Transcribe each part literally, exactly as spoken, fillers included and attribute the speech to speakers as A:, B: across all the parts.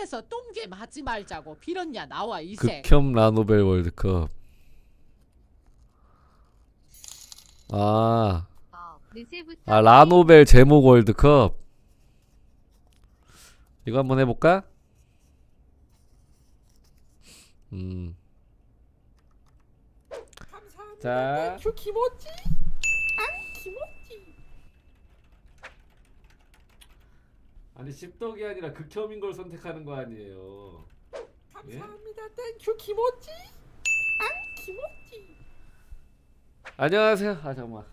A: 그래서 똥겜 하지 말자고 빌었냐 나와 이색.
B: 극혐 라노벨 월드컵. 아, 아 라노벨 제목 월드컵. 이거 한번 해볼까? 음. 자,
C: 큐 키모찌? 안 키모찌.
B: 아니 십덕이 아니라 극혐인 걸 선택하는 거 아니에요.
C: 감사합니다. 땡큐 키모찌? 안 키모찌.
B: 안녕하세요. 아 잠깐만.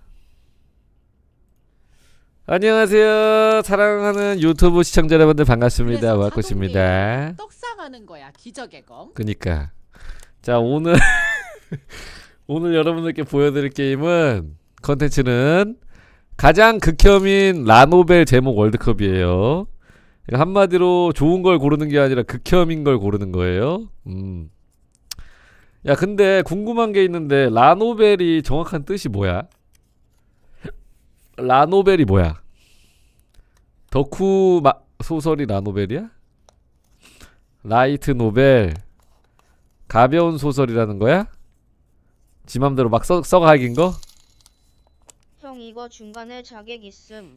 B: 안녕하세요. 사랑하는 유튜브 시청자 여러분들 반갑습니다. 와꾸씨입니다.
A: 떡상하는 거야 기적의 검.
B: 그니까 자 오늘 오늘 여러분들께 보여드릴 게임은 컨텐츠는 가장 극혐인 라노벨 제목 월드컵이에요. 그러니까 한마디로 좋은 걸 고르는 게 아니라 극혐인 걸 고르는 거예요. 음. 야 근데 궁금한 게 있는데 라노벨이 정확한 뜻이 뭐야? 라노벨이 뭐야? 덕후 마, 소설이 라노벨이야? 라이트 노벨 가벼운 소설이라는 거야? 지 맘대로 막 써, 써가긴 거?
D: 형 이거 중간에 자객 있음.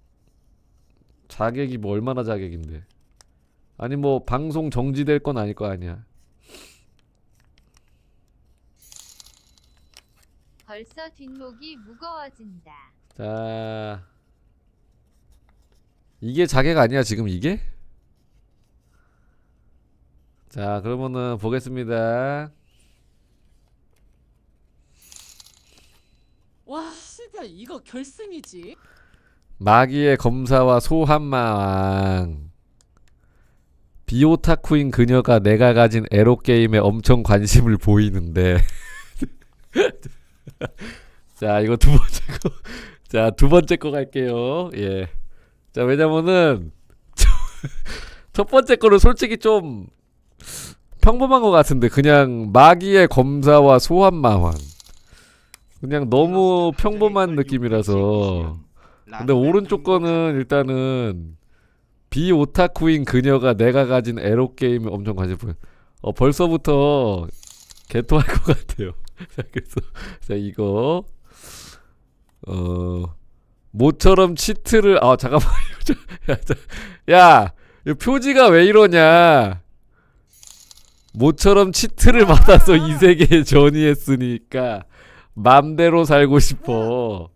B: 자객이 뭐 얼마나 자객인데? 아니 뭐 방송 정지될 건 아닐 거 아니야.
E: 벌써 뒷목이 무거워진다.
B: 자 이게 자객 아니야 지금 이게? 자 그러면은 보겠습니다.
A: 와 씨발 이거 결승이지.
B: 마기의 검사와 소한마왕. 비오타쿠인 그녀가 내가 가진 에로게임에 엄청 관심을 보이는데 자 이거 두 번째 거. 자 두 번째 거 갈게요. 예. 자 왜냐면은 첫 번째 거는 솔직히 좀 평범한 것 같은데 그냥 마기의 검사와 소한마왕 그냥 너무 평범한 느낌이라서. 근데 오른쪽 거는 일단은 비오타쿠인 그녀가 내가 가진 에로게임에 엄청 관심 보여. 어 벌써부터 개토할 것 같아요. 자 그래서 자 이거 어 모처럼 치트를 아 잠깐만 야, 자, 야 이거 표지가 왜 이러냐. 모처럼 치트를 받아서 이 세계에 전이했으니까 맘대로 살고 싶어.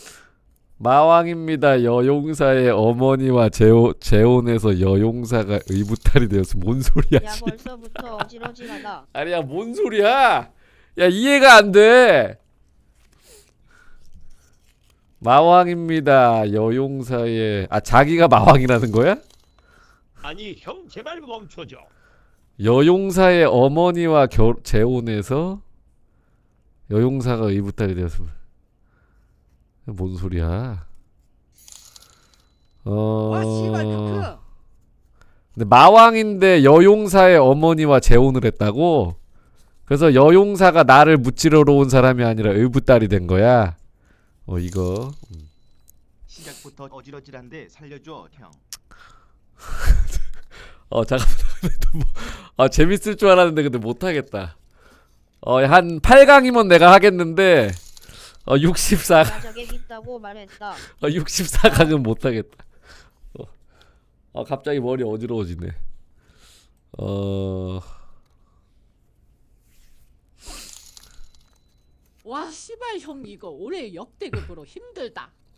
B: 마왕입니다. 여용사의 어머니와 재호, 재혼해서 여용사가 의붓탈이 되었어. 뭔 소리야?
D: 야 벌써부터 어지러지하다.
B: 아니야 뭔 소리야? 야 이해가 안 돼. 마왕입니다. 여용사의 아 자기가 마왕이라는 거야?
F: 아니 형 제발 멈춰줘.
B: 여용사의 어머니와 결, 재혼해서 여용사가 의붓탈이 되었습니다. 뭔 소리야? 어.
A: 와 씨발 그.
B: 근데 마왕인데 여용사의 어머니와 재혼을 했다고? 그래서 여용사가 나를 무찌르러 온 사람이 아니라 의붓딸이 된 거야. 어 이거.
G: 시작부터 어지러질한데 살려줘 형.
B: 어 잠깐만. 뭐, 아 재밌을 줄 알았는데 근데 못하겠다. 어 한 팔 강이면 내가 하겠는데 어 육십사 강.
D: 나 자객 있다고 말했다.
B: 어 육십사 강은 못하겠다. 어, 어 갑자기 머리 어지러워지네. 어.
A: 와 씨발 형 이거 올해 역대급으로 힘들다.